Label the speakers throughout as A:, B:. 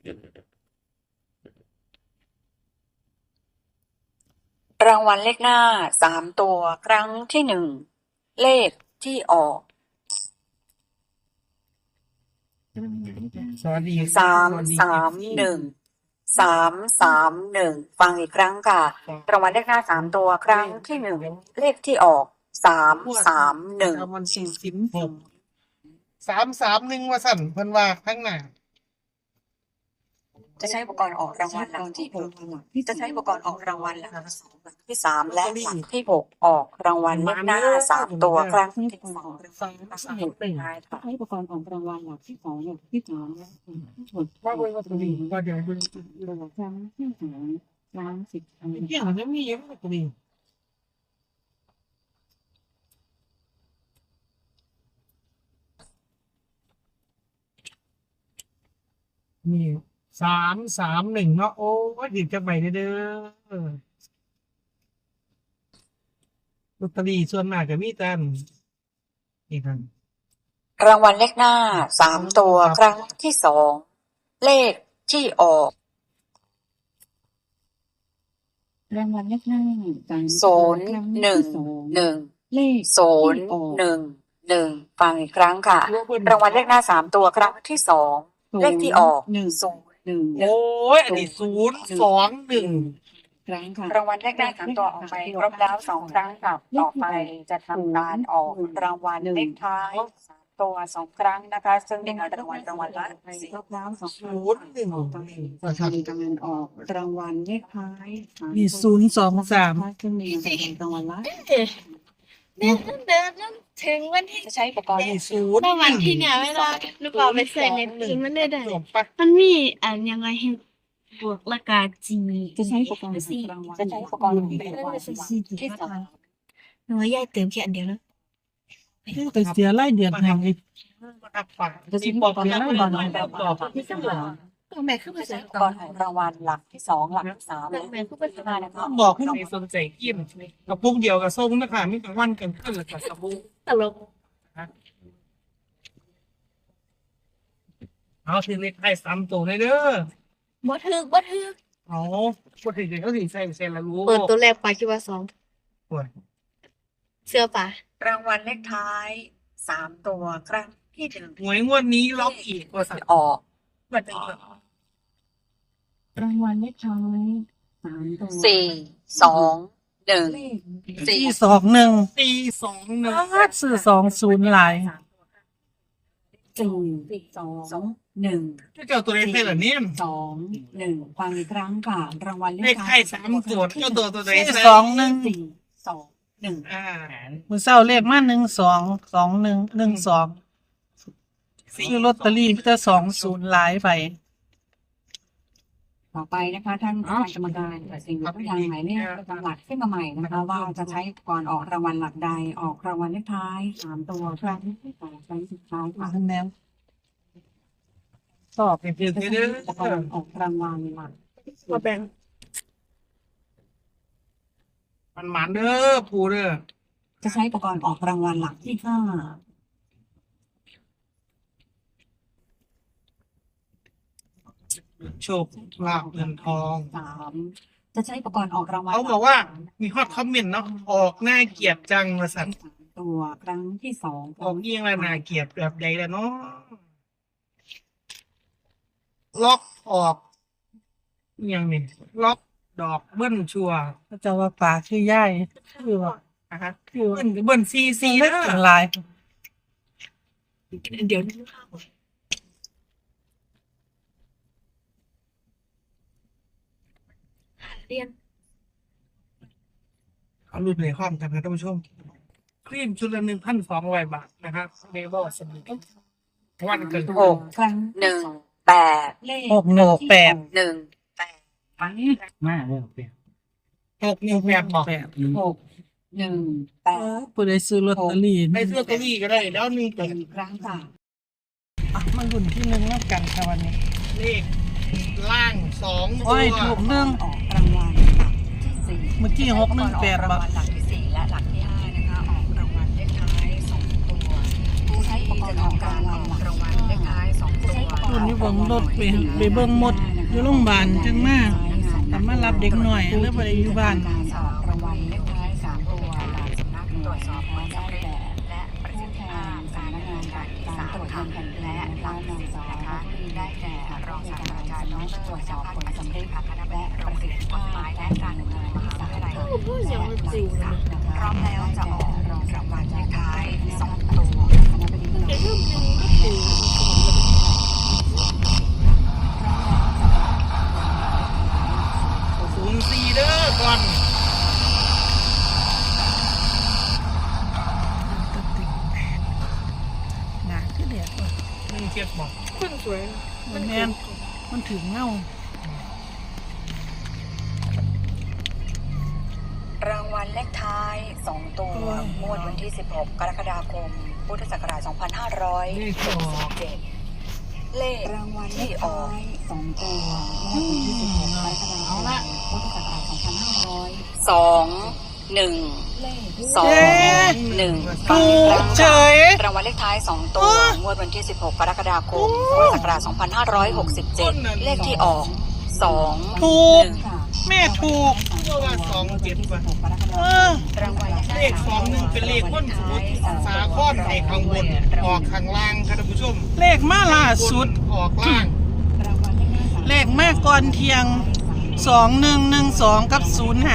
A: รางวัลเลขหน้า3 ตัวครั้งที่ 1เลขที่ออก
B: สวัสดี
A: 331ฟังอีกครั้งค่ะรางวัลเลขหน้า3 ตัวครั้งที่ 1เลขที่ออก331
B: วันที่16 331ว่าสั่นเพิ่นว่าข้างหน้า
A: จะใช้อุปกรณ์ออกรางวัลหลักที่6จะใช้อุปกรณ์ออกรางวัลหลักที่3และหลักที่6ออกรางวัลเลขหน้า3 ตัวครั้งที่2
C: ใช้อุปกรณ์ออกรางวัลหลักที่2หลักที่3และ
B: ว่าเบิ่งว่าตัวนี้ว่าเดี๋ยวเบิ่ง
C: ครั้งที่2ครั้ง10
B: เกี่ยวจะมียังตัวนี้นี่331เนาะโอ้ยดีจังไปเด้อลอตเตอรี่ส่วนมากก็มีแต่นี่ครับ
A: รางวัลเลขหน้า3 ตัวครั้งที่2เลขที่ออก
C: รางวัลเลขหน้า
A: 011
C: เลข
A: 011ฟังอีกครั้งค่ะรางวัลเลขหน้า3 ตัวครั้งที่2เลขที่ออก
B: โอ้ยอันนี้021
C: ครั้งค่ะ
A: รางวัลเลขหน้า3 ตัวออกไปครบแล้ว2 ครั้งค่ะต่อไปจะทำการออกรางวัลเลขท้าย3 ตัว2 ครั้งนะคะซึ่งเป็นรางวัลละ
C: ครบแล้ว2 ครั้งจะทำการออกรางวัลเลขท้าย
B: มี023
C: ซึ่งมีรางวัลละ
D: เดินถึงวันที่
A: จะใช้อุปกรณ์
D: เมื่อวันที่เนี่ยเวลาหนูเอาไปใส่ในปีมันได้มันมียังไงให้บวกราคาจี
C: จะใช้อุปกรณ์รางวัล
A: จะใช้อุปกรณ์เป็นรางวัลที่3
D: หนูยายเติมแค่อันเดียวแล้ว
B: ไปเสียรายเดือนให้
A: จะใช้อุปกรณ์รางวัลที่3
D: แม่คือภาษา
A: อุปกรณ์ของรางวัลหลักที่2หลักที่3และ
D: แม่คือภาษา
A: นะคะ
B: บอกให้สนใจกินกับปุ้งเดียวกับส้มนะคะมีแต่วันกันขึ้นแล้วกับสบู่
D: ตลก
B: เอาทีเล็กให้3 ตัวเลยเด้อ
D: บ่ถึก
B: เอาบ่ถึงเขาสิใส่ละรู้
D: เปิดตัวแรกไปคิดว่า
B: โอ้ย
D: 2เสื้อป่ะ
A: รางวัลเลขท้าย3 ตัวครั้งที่1
B: หวยงวดนี้ล็อกอีกว่าสั่น
A: ออก
B: บัดนี้
C: รางวัลเลขท้าย3 ตัว
A: 421
B: ซื้อ20หลาย
C: 421
B: เจ้าตัวเลขให้เหรอเนี่ย
C: 21ฟังอีกครั้งค่ะรางวัล
B: เลขท้าย3 ตัวเจ้าตัวใด
C: 21
B: มื้อเช้าเลขมา122112ซื้อลอตเตอรี่มีแต่20หลายไป
C: ต่อไปนะคะท่านกรรมการสิ่งตัวอย่างหมายเลขประจำหลักขึ้นมาใหม่นะคะว่าจะใช้ก่อนออกรางวัลหลักใดออกรางวัลเลขท้าย3 ตัวครั้งที่2ครั้งสุดท้ายค่ะ
B: แม่ตอบเป็นเพียงแค่นี้
C: ออกรางวัลหลัก
B: มาแบ่งมันเด้อปูเด้อ
C: จะใช้อุปกรณ์ออกรางวัลหลักที่5
B: โชคลาภเงินทอง
C: 3จะใช้อุปกรณ์ออกรางวัล
B: เขาบอกว่ามีฮอตคอมเมนต์เนาะออกหน้าเกียดจังมาสั่น
C: ตัวครั้งที่2
B: ออกเอียงแล้วน่าเกียดแบบใดแล้วเนาะล็อกออกอย่างนี้ล็อกดอกเบิ้ลชัวเจ้าว่าป่าคือย่ายคือว่าคือเบิ้ลซีแล้วเป็นลาย
D: เดี๋ยวเรียน
B: เอารุ่นในห้องกันนะท่านผู้ชมครีมชุดละ1,200 บาทนะครับเมเบิลสมิธวันเกิด
A: 6ครั้ง18เลข
B: 618
A: 18
C: มาแล้ว
B: 618บอก
C: 618
B: ผู้ใดซื้อลอตเตอรี่ได้ซื้อลอตเตอรี่ก็ได้แล้ว
C: 1ครั้งค่ะ
B: มันรุ่นที่1นับกันค่ะวันนี้เลขล่าง2ตัว
C: ถูก1ออกรางวัลหลักที่4
B: เมื่อกี้618
A: รางวัลหลักที่4และหลักที่5นะคะออกรางวัลเลขท้าย2 ตัวผู้ใช้อุปกรณ์ออกรางวัลเลขท้าย2 ตัว
B: คนอยู่เบิ่งรถไปเบิ่งหมดอยู่โรงพยาบาลจังมากแต่มารับเด็กหน่อยแล้วไปอยู่บ้าน
C: การออกรางวัลเลขท้าย3ตัวหลักสำนักตรวจสอบผลสำเร็จและประสิทธิภาพสำนักงานการตรวจเงินแผ่นดินและหลักนำสารนะคะได้แก่รองศาสตราจารย์ดรตรวจสอบผลสำเร็จและประสิทธิภาพและการดำเนินมหาวิทยาลัยพร้อมแล้วจะออกรองรางวัลเลขท้าย2ตัวคณะบดี
B: 04เด้อก่อนหนาคือเด็กว่ะ17บ่คนสวยมันแม่นมันถึงเงาร
A: างวัลเลขท้าย2ตัวงวดวันที่16กรกฎาคมพุทธศักราช2567เลข
C: รางวัลเล
A: ที่
C: ข
A: อ
C: ท้า
A: อก
C: ย2ตัวงวดวันที่16กรกฎาคมพุทธศักราช2500
A: 2 1
C: เลข
A: 2 1
B: ถูกเฉย
A: รางวัลเลขท้าย2ตัวงวดวันที่16กรกฎาคมพุทธศักราช2567เลขที่ออก2
B: ถูก
A: 1
B: แม่ถูกว่า27ว่ะ
A: รางวัล
B: เลข21เป็นเลขคนสมุทรสาครให้ข้างบนออกข้างล่างครับท่านผู้ชมเลขมาล่าสุดออกล่างเลขแม่ก่อนเที่ยง2112กับ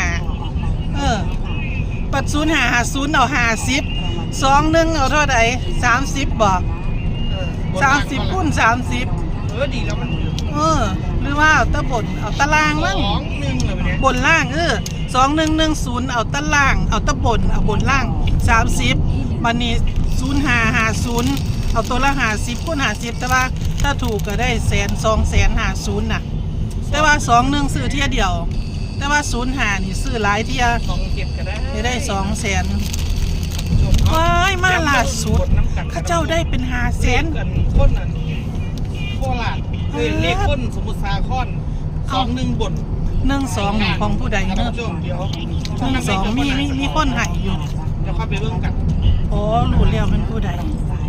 B: 05ปัด0550เอา50 21เอาเท่าใด30บ่30คูณ30ดีแล้วมันหรือว่าเอาตะบนเอาตะล่างมั้งบนล่าง2110เอาตะล่างเอาตะบนเอาบนล่าง30บัดนี้0550เอาตัวละ50คูณ50แต่ว่าถ้าถูกก็ได้100,000-250,000น่ะแต่ว่า21ซื้อเที่ยเดียวแต่ว่า05นี่ซื้อหลายเที่ย27ก็ได้200,000ว้ายมาล่าสุดเขาเจ้าได้เป็น500,000คนนั้นโคราชเลขคนสมุทรสาคร21บน12ของผู้ใดเนอะ12มีคนให้อยู่จะเข้าไปเบิ่งกันอ๋อรู้แล้วเป็นผู้ใด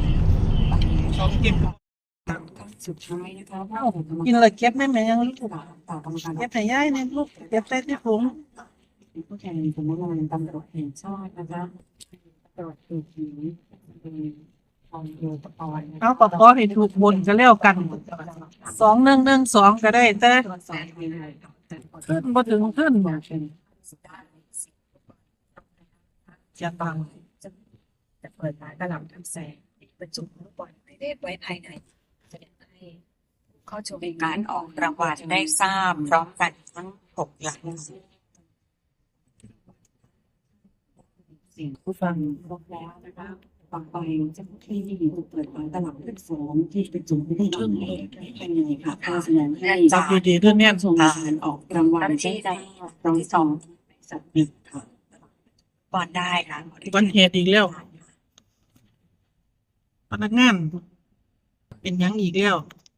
B: 27
C: สุดท้ายนะคะว่า
B: กินเลยเก็บได้ไหมยังลูก
C: ต่อกรรมการ
B: เก็บให้ยายเนี่ยลูกเก็บใส่ที่ถุง
C: ผู้แทนสำนักงานตำรวจแห่งชาตินะคะตรวจดูผีของโยตะปอน
B: เอาก็ขอให้ถูกบนก็แล้วกัน2112ก็ได้แต่
C: ตรวจสอบในรายการ
B: ขึ้นบ่ถึงขึ้น
C: มาเป็น
B: จะตัง
A: จะเปิดร้านกระหล่ำทำแสงบรรจุลูกบอลหมายเลขไว้ภายในแสดงให้เข้าชมการออกรางวัลได้ทราบพร้อมกันทั้ง6หลัก
C: สิ่งผู้ฟังครบแล้วนะคะต่อไปเจ้าหน้าที่จะเปิดฝาตลับขึ้นสองที่เป็นจุ่มไม่ได้ทำเองภายในค่ะเพื่อแสดงให้
B: จับดีๆด้วยเนี่ย
C: ชมการออกรางวัลที่ได้รางวัลที่2สัตว์หนึ่งค่ะ
A: บอลได้ค่ะ
B: วันเหตุอีกแล้วพนักงานเป็นหยังอีกแล้ว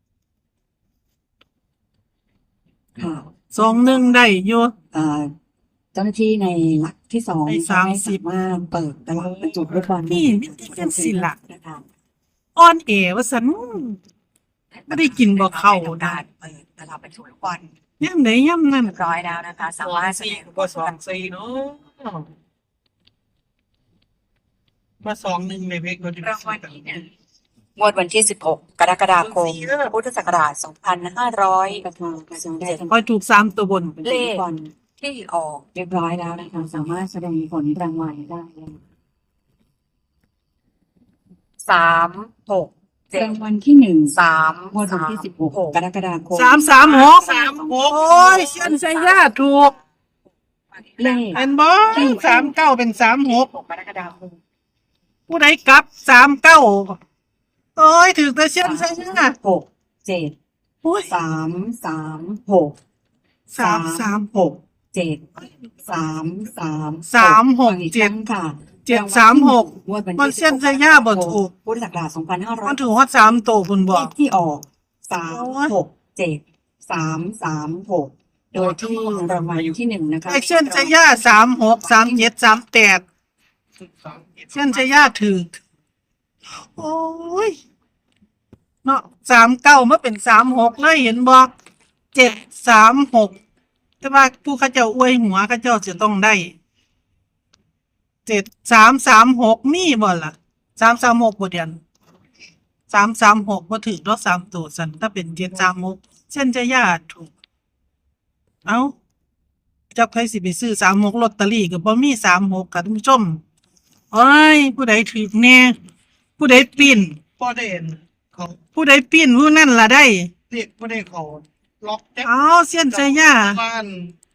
C: ค่ะ
B: 21ได้อยู่
C: เจ้าหน้าที่ในหลักที่2
B: ใน30
C: สามารถเปิดตลับประจุลูกบอล
B: นี่มิติเป็นศิลป์อ่อนเอว่าซั่นบ่ได้กินบ่เข้า
A: ได้
B: ได้
A: เปิดตลับเป็นชุดลูกบอล
B: ยามใดยามนั้น
A: เรียบร้อยแล้วนะคะ สามารถแสดงลูกบอล
B: 24เนาะมา21ในเพกก็จะ
A: รางวัลที่1งวดวันที่16กรกฎาคมพุทธศักราช
C: ประธานกระทรวงได้ทำ
B: คอยถูก3ตัวบน
C: เลขบอล
A: 2500ที่ออก
C: เรียบร้อยแล้วนะคะสามารถแสดงผลรางวัลได้แล้ว
A: 3 6
C: รางวัลที่
A: 3
C: 1งวดวันที่16กรกฎาคม
B: 336โอ้ยเส้นใส่ยาถูก
C: เลข
B: เป็นบ่39เป็น36
A: 6กรกฎาคม
B: ผู้ใดกลับ39โอ้ยถือแต่เส้นใส่ยา
C: 6 7
B: โอ้ย
C: 3 3 6
B: 336
C: 7 3 3
B: 367
C: ค่ะ
B: 736
C: งวดวัน
B: มัน
C: ที่
B: เส้นใส่ยาบ่ถูก
C: พุทธศักราช
B: มันถือว่า3ตัวคุณ
C: 2500
B: บอก
C: ที่ออก3 6 7 3 3 6โดยที่รางวัลที่1นะคะ
B: ไอ้เส้นใส่ยา36 37 38เส้นใส่ยาถือโอ้ยเนาะ39มาเป็น36เลยเห็นบ่736แต่ว่าผู้เขาเจ้าอวยหัวเขาเจ้าจะต้องได้7336มีบ่ล่ะ336บ่เดือน336บ่ถึงดอก3ตัวซั่นถ้าเป็น736เส้นจะญาติถูกเอ้าจักไผสิไปซื้อ36ลอตเตอรี่ก็บ่มี36ค่ะท่านผู้ชมโอ้ยผู้ใดถูกแน่ผู้ใดปิ้น
E: พ่อได้เห็นเขา
B: ผู้ใดปิ้นผู้นั่นล่ะได้
E: เรียกพ่อได้เขาล็อกแจ็ค
B: เอาเส้นใจย่า
E: บ้าน